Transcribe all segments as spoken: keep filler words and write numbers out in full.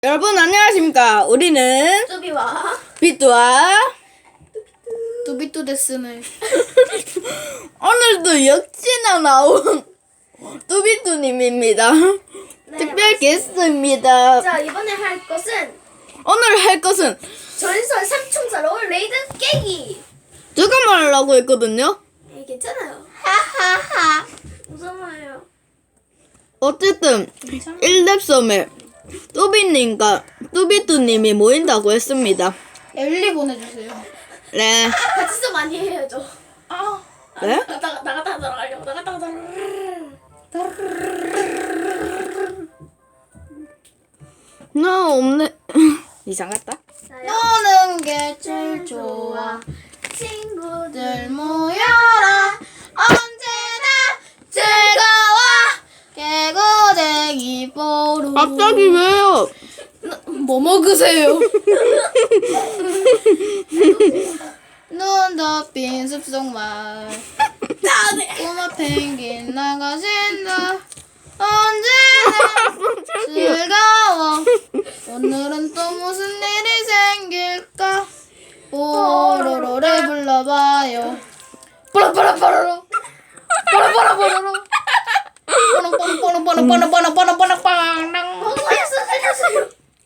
여러분 안녕하십니까? 우리는 뚜비와 비뚜와 뚜비뚜 데스네. 오늘도 역시나 나온 뚜비뚜님입니다. 네, 특별 게스트입니다. 자, 이번에 할 것은 오늘 할 것은 전설 삼총사로 레이드 깨기. 제가 말하려고 했거든요. 네, 괜찮아요. 하하하. 무서워요. 어쨌든 일 렙 섬에 뚜비님과 뚜비뚜님이 모인다고 했습니다. 엘리 보내주세요. 네. 같이 좀 많이 해야죠. 아. 네? 나갔다가 나갔다가 들어가려고 나갔다가 나 없네. 이상 같다. 노는 게 제일 좋아. 친구들 모여라. 언제나 즐거워. 개구쟁이 보루. 갑자기 왜요? 뭐 먹으세요? 눈 덮인 숲속 마을. 꼬마 펭귄 나가신다. 언제나 즐거워. 오늘은 또 무슨 일이 생길까? 뽀로로를 불러봐요. 뽀로뽀로뽀로로 뽀로뽀로뽀로로 뽀로뽀로뽀로뽀로뽀로뽀로뽀로뽀로뽀로빵. 살려주세요, 살려주세요.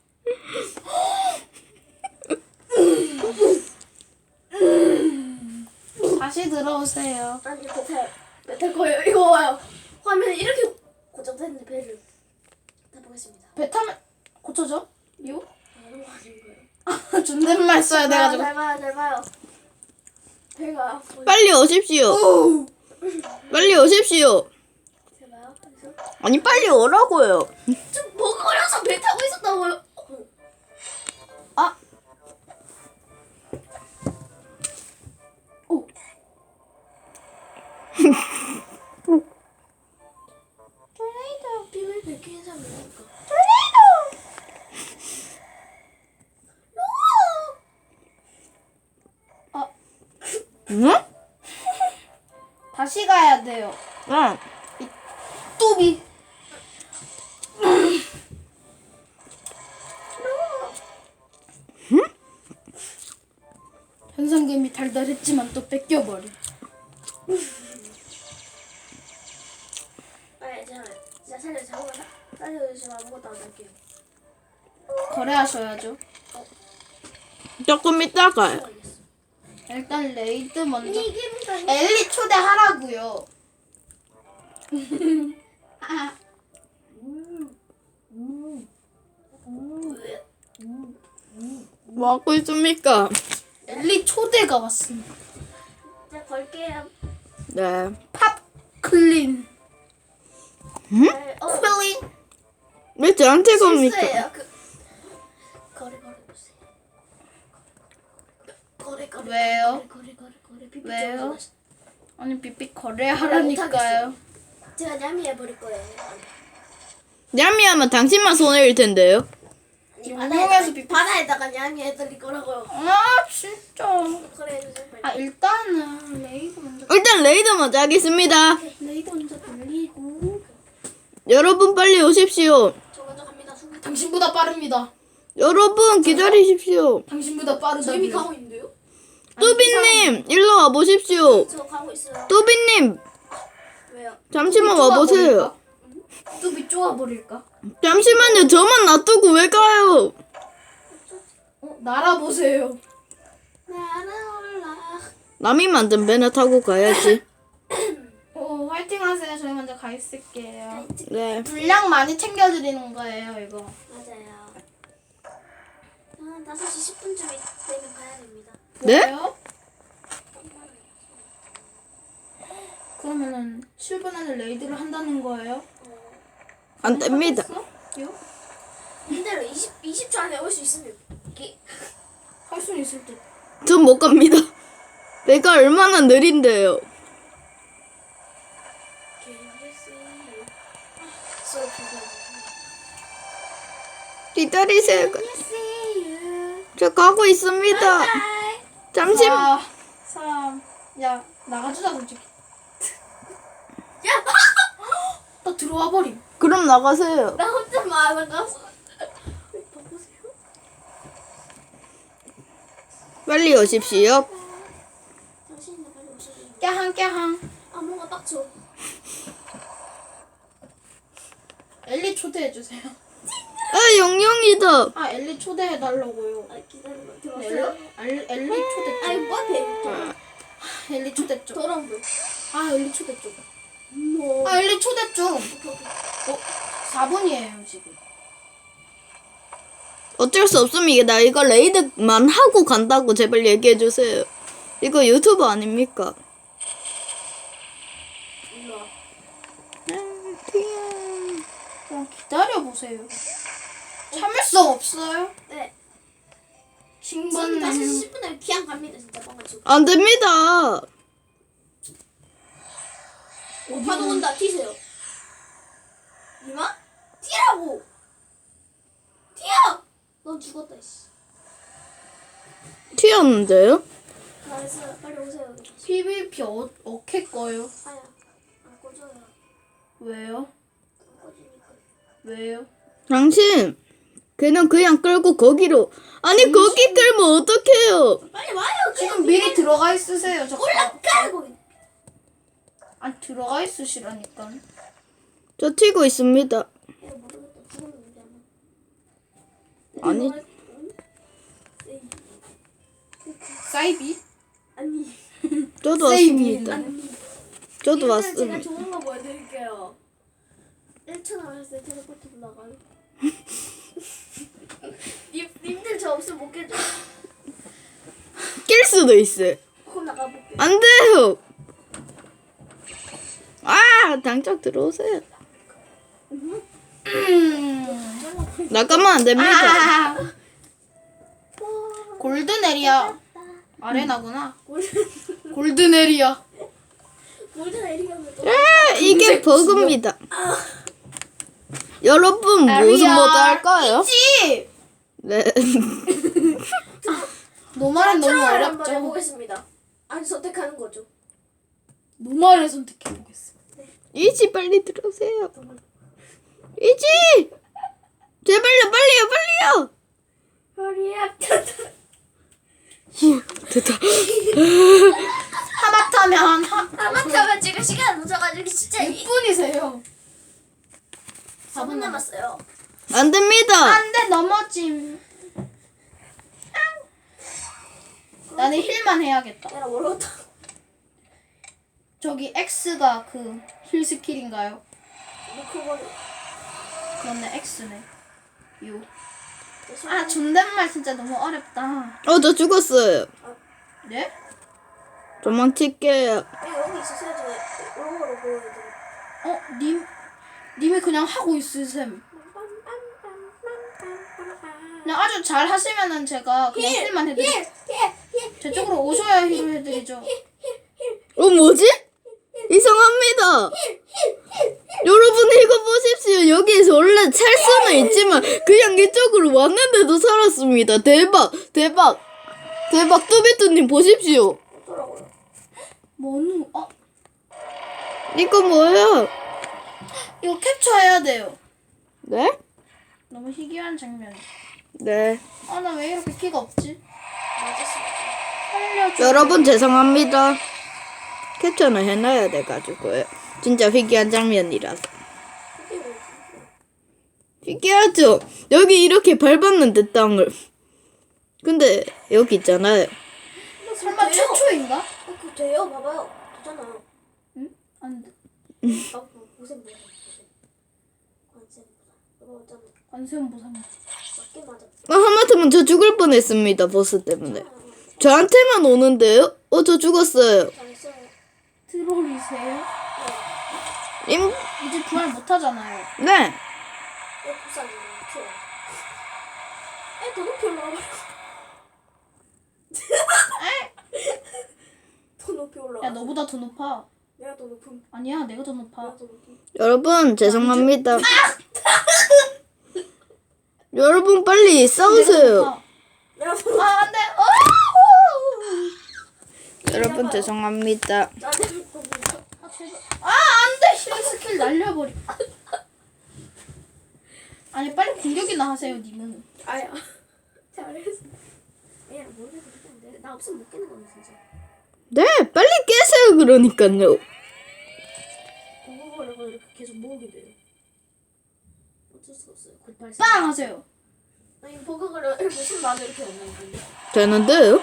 다시 들어오세요. 아니 배탈 배탈 거예요. 이거 와요. 화면이 이렇게 고정됐는데 배를 타보겠습니다. 배 타면 고쳐져? 요? 아, 너무 하신 거예요. 존댓말 써야 돼가지고. 잘 봐요, 잘 봐요. 배가 보이- 빨리 오십시오. 빨리 오십시오. 잘 봐요. 그래서 아니 빨리 오라고요. 좀 먹으려서 배 타고 있었다고요. 어, 아. 오. 토네이도 비밀 밝힌 사람이니까. 아, 응? 다시 가야 돼요. 응. 뚜비. 현상금이 달달했지만 또 뺏겨버려. 빨리 제가 진짜 살려 잡고 살려주시면 아무것도 안 할게요. 거래하셔야죠. 조금 이따가요. 알겠어. 일단 레이드 먼저. 이게 무슨 엘리 초대하라고요. 아, 뭐 하고 있습니까? 엘리 초대가 왔습니다. 자 걸게요. 네. 팝 클린. 네, 어, 클린. 왜 저한테 겁니까? 실수예요. 그 거래 거래 보세요. 거래 거래 왜요? 거래 거래 거래 비비 왜요? 좀 아니 삐삐 거래하라니까요. 제가 냠이 해버릴 거예요. 냠미하면 당신만 손해일 텐데요. 아니, 용용해서 바다에다가, 비비- 바다에다가 냠이 해드릴 거라고요. 아 진짜. 그래 해주세요. 빨리. 아 일단은 레이드 먼저. 일단 레이드 먼저 하겠습니다. 레이드 먼저 돌리고. 여러분 빨리 오십시오. 저 먼저 갑니다. 순간. 당신보다 빠릅니다. 여러분 기다리십시오. 당신보다 빠르다. 저 이미 가고 있는데요? 뚜비님 일로 와보십시오. 저 가고 있어요. 뚜비님 왜요? 잠시만 와보세요. 뚜비 쪼아버릴까? 잠시만요. 저만 놔두고 왜 가요? 어 날아보세요. 날아올라. 남이 만든 배나 타고 가야지. 어 화이팅하세요. 저희 먼저 가 있을게요. 네. 분량 많이 챙겨드리는 거예요 이거. 맞아요. 한 다섯 시 십 분쯤 되면 가야 됩니다. 네? 왜요? 그러면은 칠 분 안에 레이드를 한다는 거예요? 안 됩니다. 요? 이대로 이십, 이십 초 안에 올 수 있으면 이게 할 수는 있을 듯. 전 못 갑니다. 배가 얼마나 느린데요. 기다리세요. 저 가고 있습니다. 잠시. 사, 삼, 야 나가주자 솔직히. 야! 나 들어와 버림. 그럼 나가세요. 나 혼자 많아가서 빨리 오십시오. 당신이 빨리 오셔야 돼요. 깨항 깨항. 아 뭔가 빡쳐. 엘리 초대해 주세요. 아, 영영이다. 아 엘리 초대해 달라고요. 아 기다려봐. 엘리 들어왔어요? 엘- 엘리 초대 아이 쪽. 뭐 배. 엘리 초대 쪽. 더러운 거. 아 엘리 초대 쪽. 뭐. 아 엘리 초대 쪽. 오케이, 오케이. 어 사 분이에요 지금. 어쩔 수 없습니다. 나 이거 레이드만 하고 간다고 제발 얘기해주세요. 이거 유튜브 아닙니까? 일로 와. 그냥 기다려 보세요. 참을성 없어요? 네. 신 지금 분 다시 십 분에 귀향 갑니다 진짜 뻥가지고. 안 됩니다. 파도 온다. 튀세요. 이마? 튀라고. 튀어. 넌 죽었다 씨. 튀었는데요? 나이스. 빨리 오세요. 피비피 어, 어케 거요? 아야. 안 꺼져요. 왜요? 안 꺼지니까. 왜요? 당신 걔는 그냥 끌고 거기로 아니 거기 끌면 어떡해요? 빨리 와요. 지금 미리 들어가 있으세요. 저 올라가고. 안 들어가 있으시라니까. 저 튀고 있습니다. 야 모르겠다. 죽었는데 아마. 아니 사이비? 아니. 저도 세이비. 왔습니다. 아니. 저도 제가 왔습니다. 좋은 거 보여드릴게요. 일 층 나갔을 때 텔레포트 올라가요. 님, 님들 저 없으면 못 깨져. 낄 수도 있어요. 그럼 나가볼게요. 안 돼요. 아, 당장 들어오세요. 나가면 안 됩니다. 아, 골드네리아 아레나구나. 골드네리아. 몰든 에리가면 또. 아, 이게 버그입니다. 여러분 무슨 모드 할까요? 있지. 네. 노말은 너무 트롤을 한번 어렵죠. 해보겠습니다. 아니 선택하는 거죠. 노말을 선택해 보겠습니다. 이지 빨리 들어오세요. 이지 제발요 빨리요 빨리요. 허리야. 휴, 됐다. 하마터면 하 아마타면 지금 시간 늦어가지고 진짜 이 육 분이세요. 사 분 남았어요. 안 됩니다. 안돼 넘어짐. 나는 힐만 해야겠다. 내가 모르겠다. 저기 X가 그 힐 스킬인가요? 미코버리. 그런데 X네. 요. 아 존댓말 진짜 너무 어렵다. 어, 저 죽었어요. 네? 도망칠게요. 여기 있으세요. 저 오른거로 보여드릴게요. 어 님, 님이 그냥 하고 있으셈. 그냥 아주 잘 하시면은 제가 그냥 힐만 해드리. 제 쪽으로 오셔야 힐을 해드리죠. 어, 뭐지? 이상합니다. 여러분 이거 보십시오. 여기에서 원래 살 수는 있지만 그냥 이쪽으로 왔는데도 살았습니다. 대박, 대박, 대박. 뚜비뚜님 보십시오. 어쩌라고요? 뭐누? 어 이거 뭐예요? 이거 캡처해야 돼요. 네? 너무 희귀한 장면. 네. 아 나 왜 이렇게 키가 없지? 맞았습니다. 살려줘. 여러분 죄송합니다. 캡처는 해놔야 돼가지고요. 진짜 희귀한 장면이라서. 이게 뭐지? 희귀하죠? 여기 이렇게 밟았는데 땅을. 근데 여기 있잖아요. 설마 돼요? 최초인가? 어, 그거 돼요? 봐봐요. 되잖아요. 응? 안 돼. 아, 뭐, 보셈 보셈 보셈. 관셈 보셈. 이거 어쩌면 관세음보상. 맞게 맞아. 아, 하마터면 저 죽을 뻔했습니다. 보스 때문에. 저한테만 오는데요? 어, 저 죽었어요. 잘했어요. 트롤이세요? 임, 이제 부활 못하잖아요. 네. 왜 부산이에요? 튀어. 에, 더 높이 올라가버려. 더 높이 올라가. 야 너보다 더 높아. 내가 더 높음. 아니야 내가 더 높아. 내가 더 높음. 여러분 죄송합니다. 여러분 빨리 싸우세요. 내가 더 높음. 아 안돼. 어! 여러분 죄송합니다. 나는 더 높음. 아 제발. 아 안돼. 힐 스킬 날려버려. 아니 빨리 공격이나 하세요 님은. 아야. 잘했어. 야, 모르겠어. 나 없으면 못 깨는 거네 진짜. 네, 빨리 깨세요. 그러니까요. 버그걸려고 이렇게 계속 모으게 돼요. 어쩔 수가 없어요. 구팔사. 빵 하세요. 아니 버그걸려 이렇게 숨 나도 이렇게 없는 건데. 되는데요?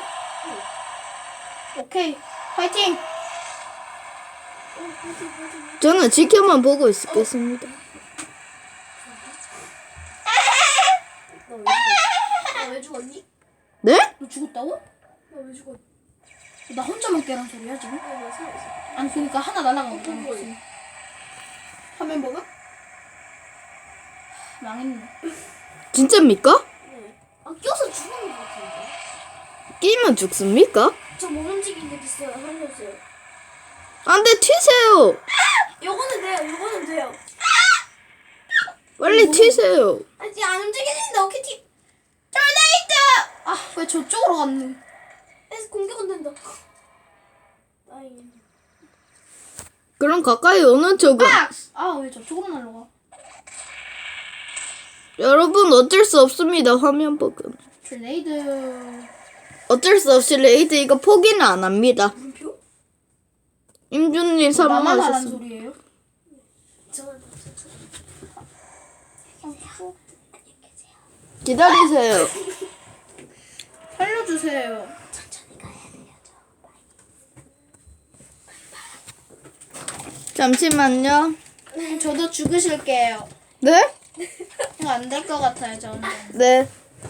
오케이. 파이팅. 어, 파이팅, 파이팅, 파이팅. 저는 지켜만 보고 있겠습니다. 너왜 죽었니? 네? 너 죽었다고? 너 왜 죽었니? 나 혼자만 깨란 소리야 지금? 어, 나 살아있어. 아니 그러니까 하나 날아간 어, 거잖아. 뭐야? 지금. 화면 버그? 망했네. 진짜입니까? 네. 아 껴서 죽는 것 같은데. 끼면 죽습니까? 저 못 움직이게 됐어요. 살려주세요. 안 돼, 튀세요. 요거는 돼요. 요거는 돼요. 빨리 튀세요. 아직 안 움직이는데 어떻게 튀? 아 왜 저쪽으로 갔노? 에서 공격은 된다. 다행이네. 그럼 가까이 오는 쪽은 아 왜 저쪽으로 날라가? 여러분 어쩔 수 없습니다. 화면 버그. 트레이드. 어쩔 수 없이 레이드 이거 포기는 안 합니다. 물음표? 나만 임준님 하란 사망하셨습니다. 소리예요? 저는 기다리세요. 살려주세요. 천천히 가야 돼요. 저. 잠시만요. 저도 죽으실게요. 네? 이거 안 될 것 같아요 저는. 네.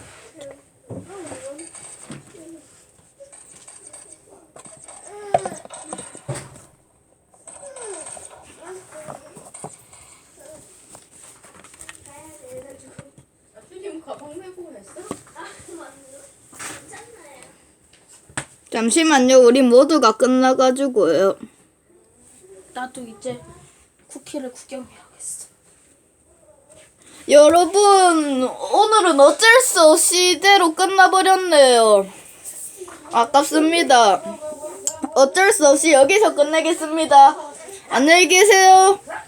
아프님 가방 메고 했어? 아 맞네. 괜찮나요? 잠시만요. 우리 모두가 끝나가지고요. 나도 이제 쿠키를 구경해야겠어. 여러분 오늘은 어쩔 수 없이 이대로 끝나버렸네요. 아깝습니다. 어쩔 수 없이 여기서 끝내겠습니다. 안녕히 계세요.